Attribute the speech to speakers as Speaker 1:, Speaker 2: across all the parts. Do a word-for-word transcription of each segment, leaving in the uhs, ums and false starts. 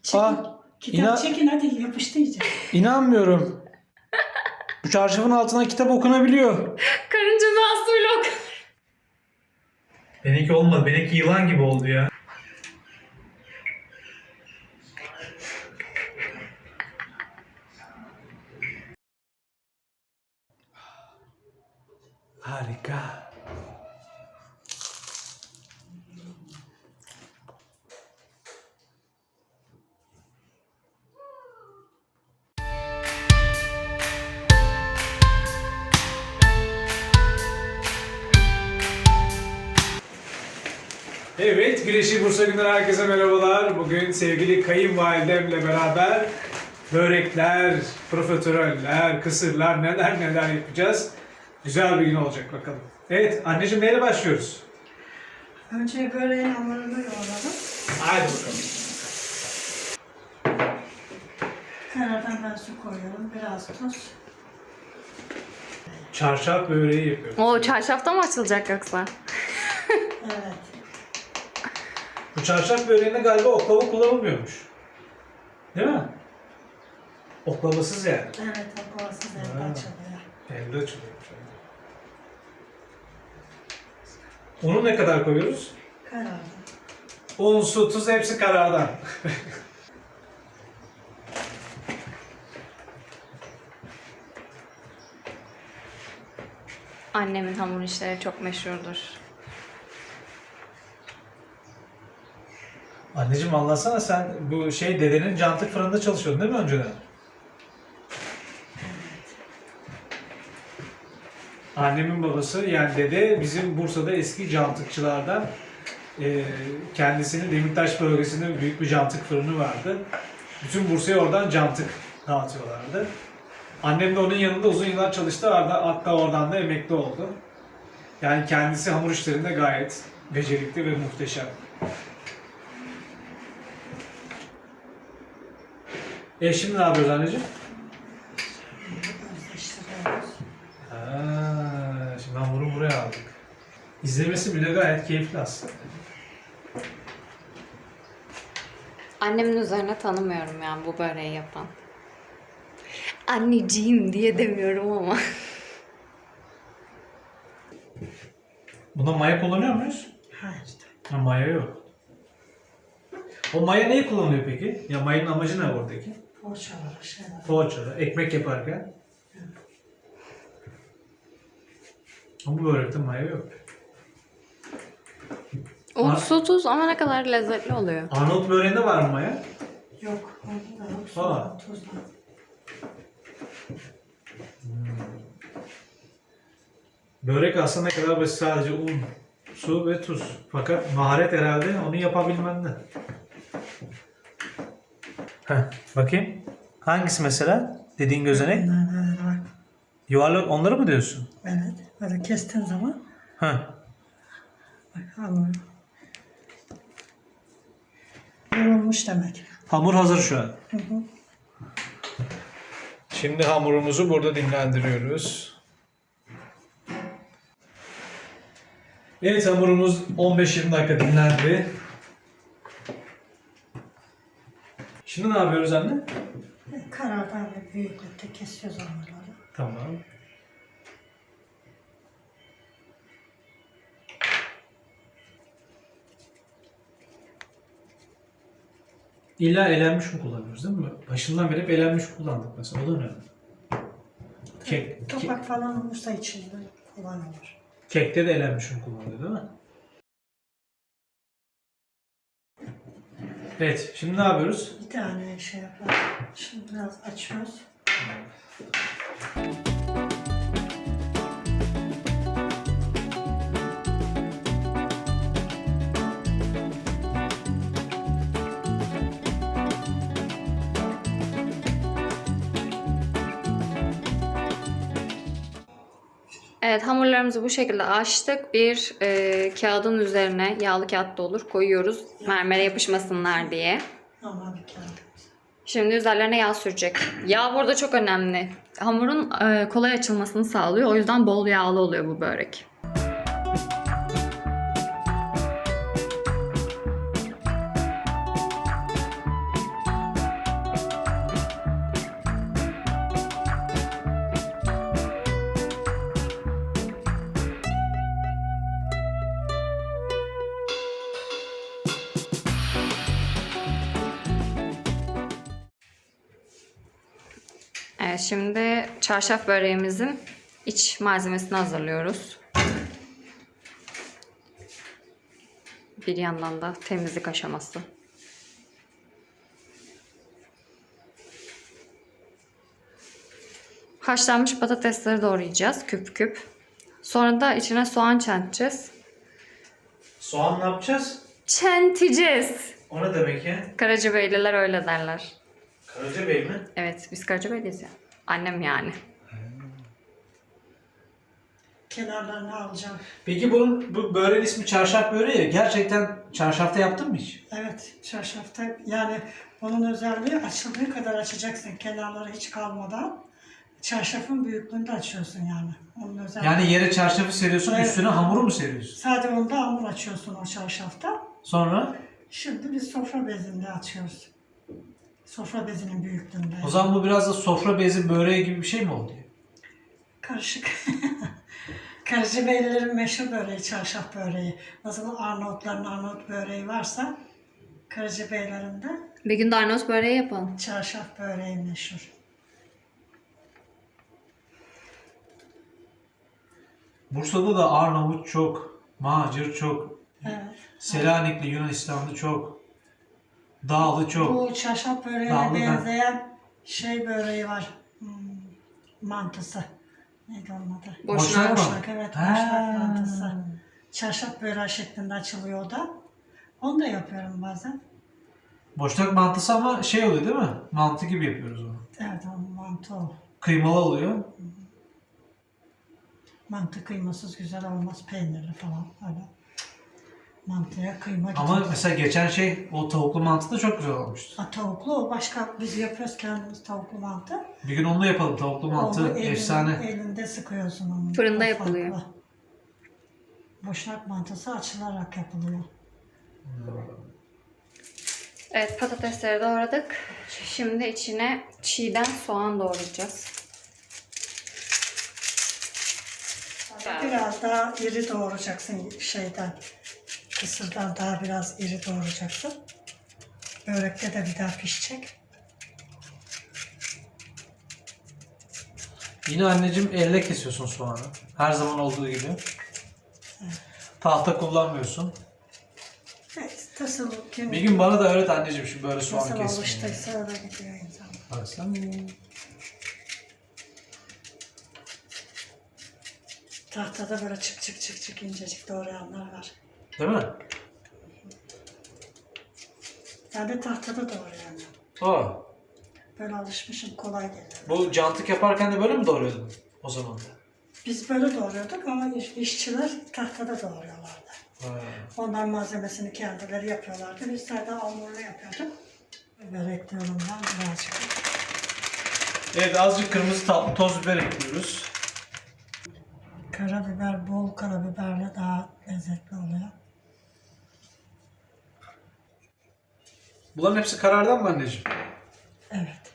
Speaker 1: Çekin.
Speaker 2: Aa,
Speaker 1: Kitap
Speaker 2: inan-
Speaker 1: çekin hadi yapıştı iyice.
Speaker 2: İnanmıyorum. Bu çarşafın altına kitap okunabiliyor.
Speaker 3: Karınca masuyla ok.
Speaker 2: Benimki olmadı. Benimki yılan gibi oldu ya. Harika. Evet, Güneşi Bursa Günden herkese merhabalar. Bugün sevgili kayınvalidemle beraber börekler, profiteroller, kısırlar, neler neler yapacağız. Güzel bir gün olacak bakalım. Evet, anneciğim neyle başlıyoruz?
Speaker 1: Önce böreğin hamurunu yoğuralım.
Speaker 2: Haydi bakalım.
Speaker 1: Kenardan ben su koyuyorum. Biraz tuz.
Speaker 2: Çarşaf böreği yapıyoruz.
Speaker 3: O çarşafta mı açılacak yoksa?
Speaker 1: Evet.
Speaker 2: Bu çarşaf böreğinde galiba oklava kullanılmıyormuş. Değil mi? Oklavasız yani.
Speaker 1: Evet, o kovasız elde
Speaker 2: Ha.
Speaker 1: açılıyor.
Speaker 2: Elde açılıyormuş. Unu ne kadar koyuyoruz?
Speaker 1: Karardı.
Speaker 2: Un, su, tuz hepsi karardan.
Speaker 3: Annemin hamur işleri çok meşhurdur.
Speaker 2: Anneciğim anlatsana sen bu şey dedenin cantık fırında çalışıyordun değil mi önceden? Annemin babası yani dede bizim Bursa'da eski cantıkçılardan. Ee, kendisinin Demirtaş bölgesinde büyük bir cantık fırını vardı. Bütün Bursa'ya oradan cantık dağıtıyorlardı. Annem de onun yanında uzun yıllar çalıştı, hatta oradan da emekli oldu. Yani kendisi hamur işlerinde gayet becerikli ve muhteşem. E şimdi ne yapıyoruz anneciğim?
Speaker 1: Özleştiriyoruz.
Speaker 2: Ha, şimdi hamuru buraya aldık. İzlemesi bile gayet keyifli aslında.
Speaker 3: Annemin üzerine tanımıyorum yani bu böreği yapan. Anneciğim diye demiyorum ama.
Speaker 2: Buna maya kullanıyor muyuz?
Speaker 1: Hayır.
Speaker 2: Ha, maya yok. O maya neyi kullanıyor peki? Ya mayanın amacı ne oradaki?
Speaker 1: Poğaçaları, şeyler.
Speaker 2: Poğaçada, ekmek yaparken. Ama bu börekte maya yok.
Speaker 3: Un,
Speaker 2: Ar-
Speaker 3: su, tuz ama ne kadar lezzetli oluyor.
Speaker 2: Arnavut böreğinde var mı maya?
Speaker 1: Yok, orada da yok.
Speaker 2: Aa.
Speaker 1: Su, tuzla.
Speaker 2: Börek aslında ne kadar basit, sadece un, su ve tuz. Fakat maharet herhalde onu yapabilmende. Heh, bakayım. Hangisi mesela? Dediğin gözenek.
Speaker 1: Bunlar böyle bak.
Speaker 2: Yuvarlak onları mı diyorsun?
Speaker 1: Evet, böyle kestiğin zaman
Speaker 2: Heh.
Speaker 1: bak hamur. Yoğurmuş demek.
Speaker 2: Hamur hazır şu an.
Speaker 1: Hı hı.
Speaker 2: Şimdi hamurumuzu burada dinlendiriyoruz. Evet, hamurumuz on beş yirmi dakika dinlendi. Şimdi ne yapıyoruz anne?
Speaker 1: Karardan ve büyüklükte kesiyoruz hamurları.
Speaker 2: Tamam. İlla elenmiş mi kullanıyoruz değil mi? Başından beri hep elenmiş kullandık mesela. O da önemli. Kek, ke-
Speaker 1: Topak falan olursa içinde kullanılır.
Speaker 2: kekte de elenmiş mi kullanılıyor değil mi? Evet, şimdi ne yapıyoruz?
Speaker 1: Bir tane şey yapalım. Şimdi biraz açıyoruz.
Speaker 3: Evet, hamurlarımızı bu şekilde açtık. Bir e, kağıdın üzerine, yağlı kağıt da olur, koyuyoruz. Mermere yapışmasınlar diye.
Speaker 1: Normal bir kağıt.
Speaker 3: Şimdi üzerlerine yağ sürecek. Yağ burada çok önemli. Hamurun e, kolay açılmasını sağlıyor. O yüzden bol yağlı oluyor bu börek. Evet, şimdi çarşaf böreğimizin iç malzemesini hazırlıyoruz. Bir yandan da temizlik aşaması. Haşlanmış patatesleri doğrayacağız küp küp. Sonra da içine soğan çenteceğiz.
Speaker 2: Soğan ne yapacağız?
Speaker 3: Çenteceğiz.
Speaker 2: O ne demek ya?
Speaker 3: Karacabeyliler öyle derler.
Speaker 2: Karacabey mi?
Speaker 3: Evet, biz Karacabeyliyiz ya. Annem yani.
Speaker 1: Kenarlarını alacağım.
Speaker 2: Peki bunun bu böreğin ismi çarşaf böreği ya. Gerçekten çarşafta yaptın mı hiç?
Speaker 1: Evet, çarşafta yani onun özelliği açıldığı kadar açacaksın kenarları hiç kalmadan. Çarşafın büyüklüğünde açıyorsun yani. Onun özelliği.
Speaker 2: Yani yere çarşafı seriyorsun,
Speaker 1: Evet.
Speaker 2: üstüne hamuru mu seriyorsun?
Speaker 1: Sadece onda hamur açıyorsun o çarşafta.
Speaker 2: Sonra?
Speaker 1: Şimdi biz sofra bezinde açıyoruz. Sofra bezinin büyüklüğünde.
Speaker 2: O zaman bu biraz da sofra bezi böreği gibi bir şey mi oldu?
Speaker 1: Karışık. Karacabeylilerin meşhur böreği, çarşaf böreği. Nasıl Arnavutların Arnavut böreği varsa Karacabeylerin de
Speaker 3: Bir gün de Arnavut böreği yapalım.
Speaker 1: çarşaf böreği meşhur.
Speaker 2: Bursa'da da Arnavut çok, Macir çok,
Speaker 1: Evet.
Speaker 2: Selanikli Yunanistanlı çok, Dağlı çok.
Speaker 1: Bu çarşaf böreğine
Speaker 2: Dağlı ben-
Speaker 1: benzeyen şey böreği var. Hmm, mantısı. Neydi onun adı?
Speaker 3: Boşnak
Speaker 2: mı?
Speaker 1: Boşnak, evet.
Speaker 2: Ha.
Speaker 1: Boşnak mantısı. Çarşaf böreği şeklinde açılıyor o da. Onu da yapıyorum bazen.
Speaker 2: Boşnak mantısı ama şey oluyor değil mi? Mantı gibi yapıyoruz onu.
Speaker 1: Evet, o mantı o.
Speaker 2: Kıymalı oluyor.
Speaker 1: Mantı kıymasız güzel olmaz. Peynirli falan öyle. Mantıya kıyma
Speaker 2: Ama
Speaker 1: gidiyor.
Speaker 2: mesela geçen şey o tavuklu mantı da çok güzel olmuştu.
Speaker 1: Ha, tavuklu o başka, biz yapıyoruz kendimiz tavuklu mantı.
Speaker 2: Bir gün onu da yapalım. Tavuklu mantı
Speaker 1: Onu elin-
Speaker 2: efsane.
Speaker 1: Elinde sıkıyorsun onu.
Speaker 3: Fırında
Speaker 1: O
Speaker 3: yapılıyor.
Speaker 1: farklı. Boşnak mantısı açılarak yapılıyor.
Speaker 3: Evet, patatesleri doğradık. Şimdi içine çiğden soğan doğrayacağız.
Speaker 1: Biraz daha iri doğrayacaksın şeyden. Kısırdan daha biraz iri doğrayacaksın. Börekte de bir daha pişecek.
Speaker 2: Yine anneciğim elle kesiyorsun soğanı. Her zaman olduğu gibi. Tahta kullanmıyorsun.
Speaker 1: Evet, nasıl kim,
Speaker 2: Bir gün bana da öğret anneciğim şu böyle soğan
Speaker 1: nasıl
Speaker 2: kesmeyi.
Speaker 1: alıştıysa öyle gidiyor insan.
Speaker 2: Bak sen.
Speaker 1: Tahtada böyle çık çık çık çık incecik doğrayanlar var.
Speaker 2: Değil mi?
Speaker 1: Ben de tahtada doğrayanlar.
Speaker 2: Aa,
Speaker 1: Böyle alışmışım, kolay geliyor.
Speaker 2: bu cantık yaparken de böyle mi doğruyordun o zaman da?
Speaker 1: Biz böyle doğruyorduk ama iş- işçiler tahtada doğruyorlardı.
Speaker 2: Ha.
Speaker 1: Onlar malzemesini kendileri yapıyorlardı. Biz sadece hamurlu yapıyorduk. Biber ekliyorum ben birazcık.
Speaker 2: Evet, azıcık kırmızı tatlı toz biber ekliyoruz.
Speaker 1: Karabiber, bol karabiberle daha lezzetli oluyor.
Speaker 2: Bunların hepsi karardan mı anneciğim?
Speaker 1: Evet.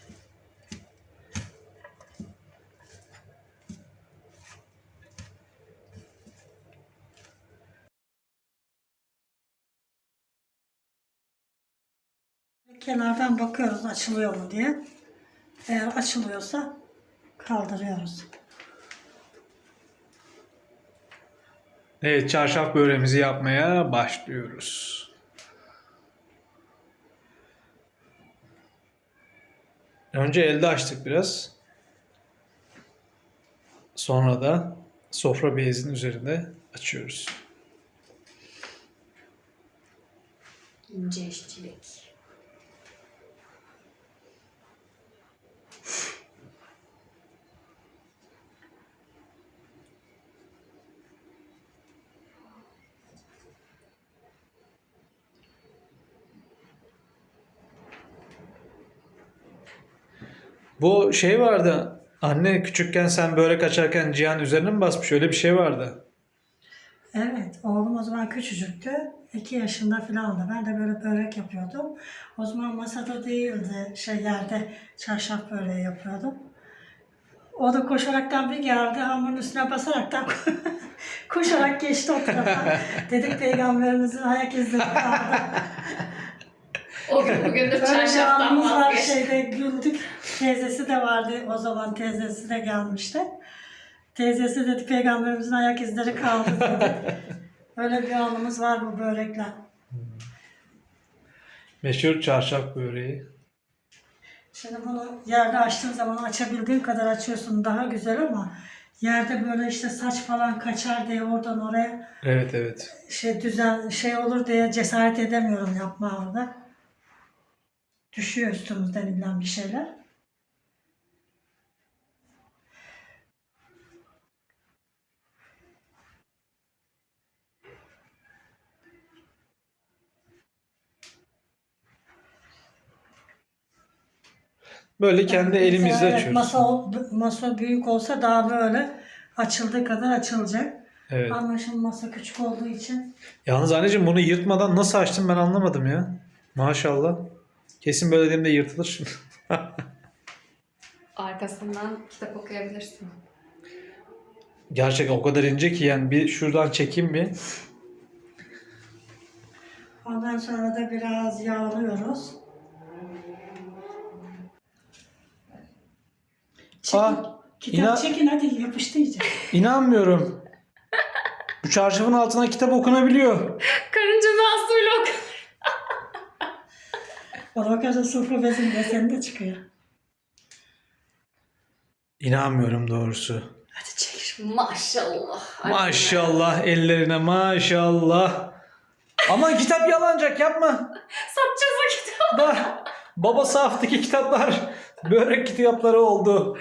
Speaker 1: Kenardan bakıyoruz açılıyor mu diye. Eğer açılıyorsa kaldırıyoruz.
Speaker 2: Evet, çarşaf böreğimizi yapmaya başlıyoruz. Önce elde açtık biraz. Sonra da sofra bezinin üzerinde açıyoruz.
Speaker 3: İnce işçilik.
Speaker 2: Bu şey vardı. Anne küçükken sen börek açarken Cihan üzerine mi basmış? Öyle bir şey vardı.
Speaker 1: Evet, oğlum o zaman küçücüktü. iki yaşında falandı. Ben de böyle börek yapıyordum. O zaman masada değildi, şey yerde çarşaf böreği yapıyordum. O da koşaraktan bir geldi, hamurun üstüne basaraktan koşarak geçti o tarafa. Dedik peygamberimizin ayak izleri kaldı.
Speaker 3: O gün bugündür
Speaker 1: Böyle bir
Speaker 3: çarşaftan
Speaker 1: anımız var,
Speaker 3: vazgeçtim.
Speaker 1: şeyde güldük. Teyzesi de vardı o zaman, teyzesi de gelmişti. Teyzesi dedi peygamberimizin ayak izleri kaldı dedi. Öyle bir anımız var bu börekle.
Speaker 2: Meşhur çarşaf böreği.
Speaker 1: Şimdi bunu yerde açtığın zaman açabildiğin kadar açıyorsun, daha güzel, ama yerde böyle işte saç falan kaçar diye oradan oraya
Speaker 2: Evet evet.
Speaker 1: şey düzen şey olur diye cesaret edemiyorum yapmaya orada. Düşüyor üstümüzden illa bir şeyler.
Speaker 2: Böyle kendi elimizle
Speaker 1: Mesela evet,
Speaker 2: açıyoruz.
Speaker 1: masa, ol- masa büyük olsa daha böyle açıldığı kadar açılacak.
Speaker 2: Evet.
Speaker 1: Ama şimdi masa küçük olduğu için
Speaker 2: Yalnız anneciğim bunu yırtmadan nasıl açtın ben anlamadım ya. Maşallah. Kesin böyle dediğimde yırtılır şimdi.
Speaker 3: Arkasından kitap okuyabilirsin.
Speaker 2: Gerçekten o kadar ince ki yani bir şuradan çekeyim bir.
Speaker 1: ondan sonra da biraz yağlıyoruz. Çekin,
Speaker 2: Aa,
Speaker 1: kitap
Speaker 2: inan-
Speaker 1: çekin hadi, yapıştı iyice.
Speaker 2: İnanmıyorum. Bu çarşafın altına kitap okunabiliyor.
Speaker 3: Karıncanın suyla oku.
Speaker 1: Ona bakarsa sofra bezinde senin de çıkıyor.
Speaker 2: İnanmıyorum doğrusu.
Speaker 1: Hadi çek.
Speaker 3: Maşallah.
Speaker 2: Maşallah ellerine maşallah. Ama kitap yalancak yapma.
Speaker 3: Satacağız o kitabı.
Speaker 2: Da baba saftaki kitaplar börek kitapları oldu.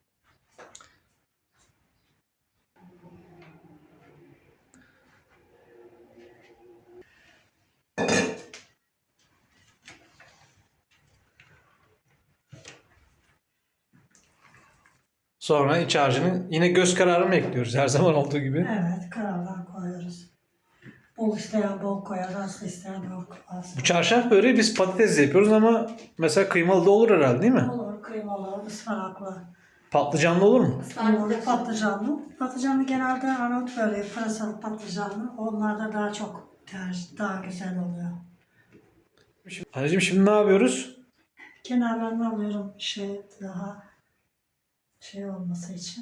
Speaker 2: Sonra iç harcını yine göz kararı mı ekliyoruz her zaman olduğu gibi?
Speaker 1: Evet, karardan koyuyoruz. Bol isteyen bol koyar, az isteyen az.
Speaker 2: Bu çarşaf böreği biz patatesle yapıyoruz ama mesela kıymalı da olur herhalde değil mi?
Speaker 1: Olur, kıymalı, ıspanaklı.
Speaker 2: Patlıcanlı olur mu?
Speaker 1: Kıymalı, patlıcanlı. Patlıcanlı genelde Arnavut böreği, pırasalı patlıcanlı. Onlar da daha çok tercih, daha güzel oluyor.
Speaker 2: Anneciğim şimdi ne yapıyoruz?
Speaker 1: Kenarlarını alıyorum şey daha şey olması için.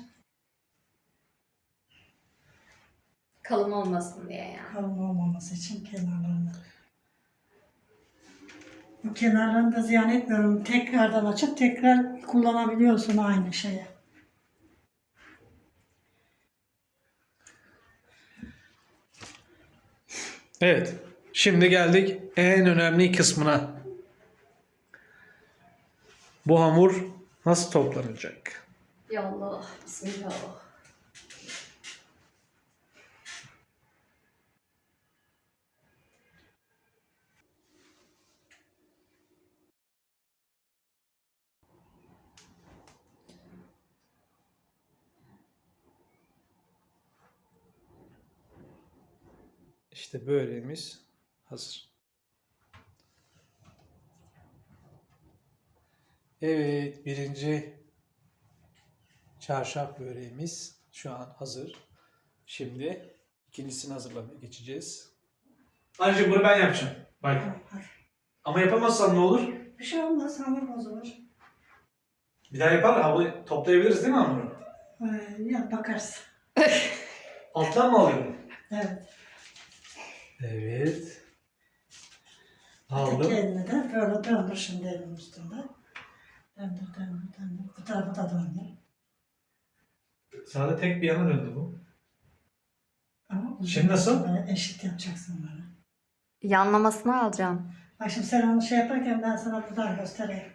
Speaker 3: Kalın olmasın diye yani.
Speaker 1: Kalın olmaması için kenarlarını. Bu kenarlarını da ziyan etmiyorum. Tekrardan açıp tekrar kullanabiliyorsun aynı şeyi.
Speaker 2: Evet. Şimdi geldik en önemli kısmına. Bu hamur nasıl toplanacak?
Speaker 3: Yallah. Bismillah.
Speaker 2: İşte böreğimiz hazır. Evet, birinci çarşaf böreğimiz şu an hazır. Şimdi ikincisini hazırlamaya geçeceğiz. Ayrıca bunu ben yapacağım. Bak. Ama yapamazsan ne olur?
Speaker 1: Bir şey olmaz, hamur bozulur.
Speaker 2: Bir daha yapar abi, toplayabiliriz değil mi hamuru?
Speaker 1: Ee, ya bakarsın.
Speaker 2: Alttan mı alıyorum?
Speaker 1: Evet.
Speaker 2: Evet.
Speaker 1: Öteki
Speaker 2: Aldım.
Speaker 1: elini de böyle döndür şimdi elin üstünde. Döndür, döndür, döndür. Bu tarafı da döndür.
Speaker 2: Sadece tek bir yana döndü bu.
Speaker 1: Ama uzun
Speaker 2: Şimdi nasıl?
Speaker 1: Böyle eşit yapacaksın böyle.
Speaker 3: Yanlamasını alacaksın.
Speaker 1: Bak şimdi sen onu şey yaparken ben sana buradan göstereyim.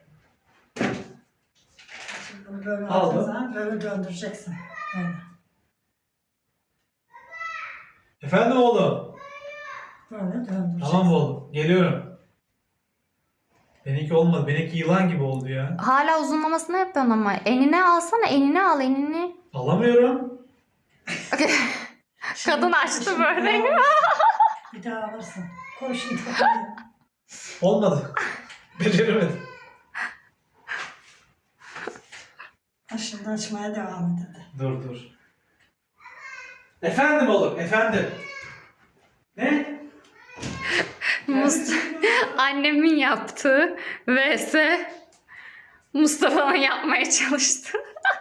Speaker 1: Şimdi bunu böyle
Speaker 2: Aldım.
Speaker 1: aldığın zaman böyle döndüreceksin. Böyle.
Speaker 2: Efendim oğlum.
Speaker 1: Böyle döndüreceksin.
Speaker 2: Tamam oğlum. Geliyorum. Benimki olmadı. Benimki yılan gibi oldu ya.
Speaker 3: Hala uzunlamasını yapıyorsun ama. Enine alsana. Enine al. Enini.
Speaker 2: Alamıyorum.
Speaker 1: Şimdi-
Speaker 3: Kadın açtı
Speaker 1: şimdi
Speaker 3: böyle.
Speaker 1: Bir daha alırsın. Bir daha alırsın. Koy şimdi.
Speaker 2: Olmadı. Beceremedim.
Speaker 1: Ha, şimdi açmaya devam et hadi.
Speaker 2: Dur dur. Efendim oğlum. Efendim. Ne?
Speaker 3: Mus- Annemin yaptığı vs Mustafa'nın yapmaya çalıştı.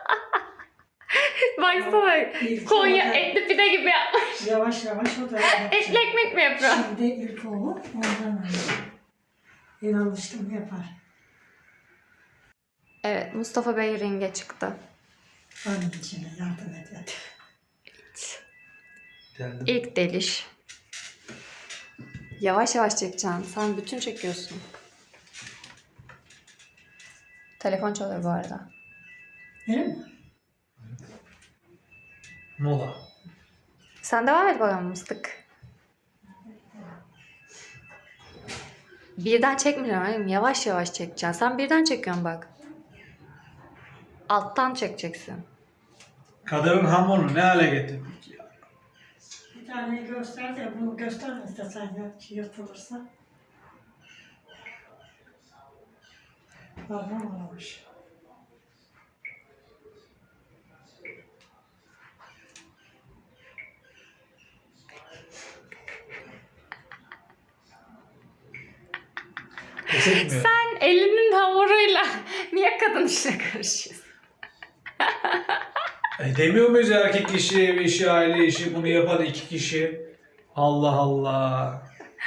Speaker 3: Baksana
Speaker 1: İlk
Speaker 3: Konya
Speaker 1: olarak-
Speaker 3: etli pide gibi yapmış.
Speaker 1: Yavaş yavaş o da yapacak.
Speaker 3: Etli ekmek mi yapıyor?
Speaker 1: Şimdi ilk oğlu ondan önce. El alıştım yapar.
Speaker 3: Evet, Mustafa Bey ringe çıktı.
Speaker 1: Annem içine yardım ediyor.
Speaker 2: Geldim.
Speaker 3: İlk deliş. Yavaş yavaş çekeceksin. Sen bütün çekiyorsun. Telefon çalıyor bu arada.
Speaker 1: Değil mi?
Speaker 2: Mola.
Speaker 3: Sen devam et bakalım mıstık. Birden çekmiyorum oğlum. Yavaş yavaş çekeceksin. Sen birden çekiyorsun bak. Alttan çekeceksin.
Speaker 2: Kadının hamurunu ne hale getirdik ya.
Speaker 1: Bir tane göster de bunu gösterme istesen ya yırtılırsa. Parmağım olmuş.
Speaker 2: Pes etmiyor.
Speaker 3: Sen elinin hamuruyla niye kadın işine karışıyorsun?
Speaker 2: E demiyor muyuz erkek işi, ev işi, aile işi, bunu yapan iki kişi? Allah Allah.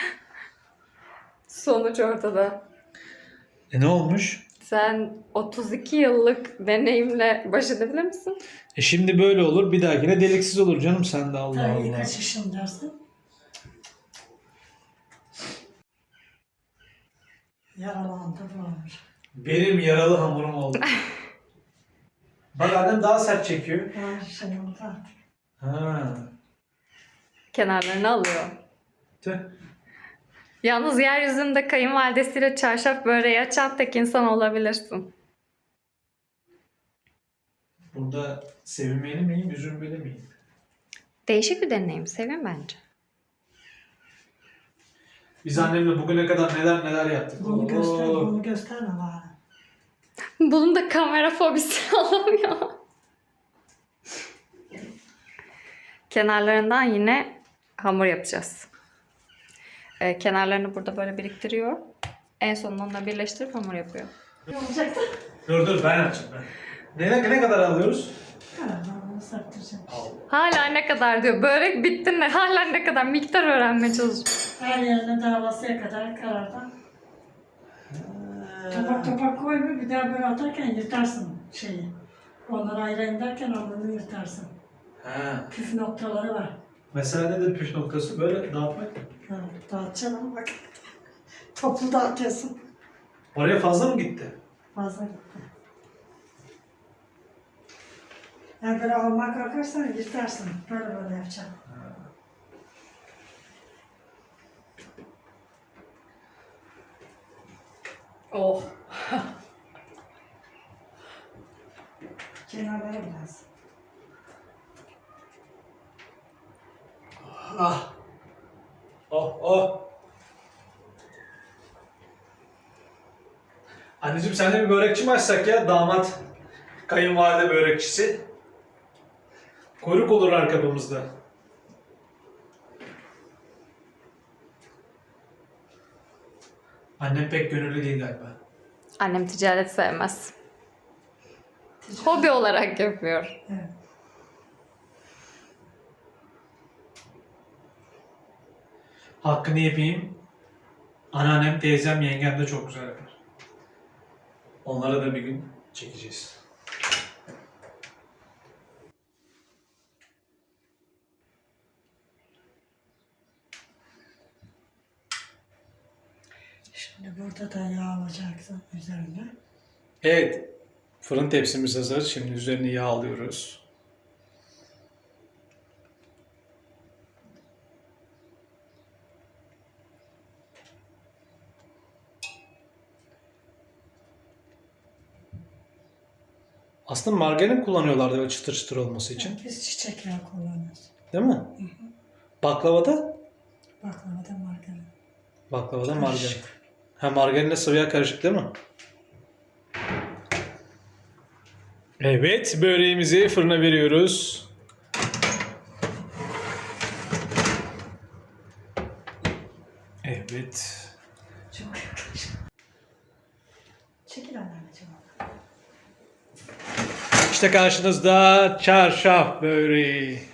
Speaker 3: Sonuç ortada.
Speaker 2: E ne olmuş?
Speaker 3: Sen otuz iki yıllık deneyimle baş edebilir misin?
Speaker 2: E şimdi böyle olur, bir dahakine deliksiz olur canım sen de Allah
Speaker 1: Tabii
Speaker 2: Allah.
Speaker 1: kaç yaşın dersin? Yaralandı varmış.
Speaker 2: Benim yaralı hamurum oldu. Bak annem daha sert çekiyor.
Speaker 1: Var şey oldu artık.
Speaker 2: Ha.
Speaker 3: Kenarlarını alıyor.
Speaker 2: Tüh.
Speaker 3: Yalnız yeryüzünde kayınvalidesiyle çarşaf böreği açan tek insan olabilirsin.
Speaker 2: Burada sevinmeli miyim, üzülmeli miyim?
Speaker 3: Değişik bir deneyim. Sevin bence.
Speaker 2: Biz annemle bugüne kadar neler neler yaptık.
Speaker 1: Bunu göster,
Speaker 2: Oo.
Speaker 1: bunu gösterme bana.
Speaker 3: Bunun da kamera fobisi olamıyor. Kenarlarından yine hamur yapacağız. Ee, kenarlarını burada böyle biriktiriyor. En sonunda onunla birleştirip hamur yapıyor.
Speaker 1: Ne olacaktı?
Speaker 2: Dur dur ben açayım ben. Ne, ne kadar alıyoruz?
Speaker 1: Ha, ben bunu saptıracağım.
Speaker 3: Hala ne kadar diyor. Börek bitti mi? Hala ne kadar miktar öğrenmeye çalışıyor.
Speaker 1: Her yerine davasıya kadar karardan. Topak topak koyma, bir daha böyle atarken yırtarsın şeyi. Onları ayırayım derken onları yırtarsın.
Speaker 2: Ha.
Speaker 1: Püf noktaları var.
Speaker 2: Mesela nedir püf noktası? Böyle dağıtmak mı?
Speaker 1: Ha, dağıtacaksın ama bak. Toplu dağıtıyorsun.
Speaker 2: Oraya fazla mı gitti?
Speaker 1: Fazla gitti. Yani böyle almaya kalkarsan yırtarsın. Böyle böyle yapacaksın.
Speaker 3: Oh.
Speaker 1: Kenarlara biraz.
Speaker 2: Ah. Oh oh. Anneciğim sen de bir börekçi mi açsak ya? Damat, kayınvalide börekçisi. Kuyruk olur arkamızda. Annem pek gönüllü değil galiba.
Speaker 3: Annem ticaret sevmez. Hobi olarak yapıyor.
Speaker 1: Evet.
Speaker 2: Hakkını yapayım. Anneannem, teyzem, yengem de çok güzel yapar. Onlara da bir gün çekeceğiz.
Speaker 1: Şimdi burada da yağ alacaksın üzerine.
Speaker 2: Evet. Fırın tepsimiz hazır. Şimdi üzerine yağ alıyoruz. Aslında margarin kullanıyorlardı böyle çıtır çıtır olması için.
Speaker 1: Biz çiçek yağı kullanıyoruz.
Speaker 2: Değil mi? Baklavada?
Speaker 1: Baklavada margarin.
Speaker 2: Baklavada
Speaker 1: Karışık.
Speaker 2: margarin. Ha margarinle sıvı yağ karışık değil mi? Evet, böreğimizi fırına veriyoruz. Evet.
Speaker 1: Çok yaklaş. Çekil anneciğim.
Speaker 2: İşte karşınızda çarşaf böreği.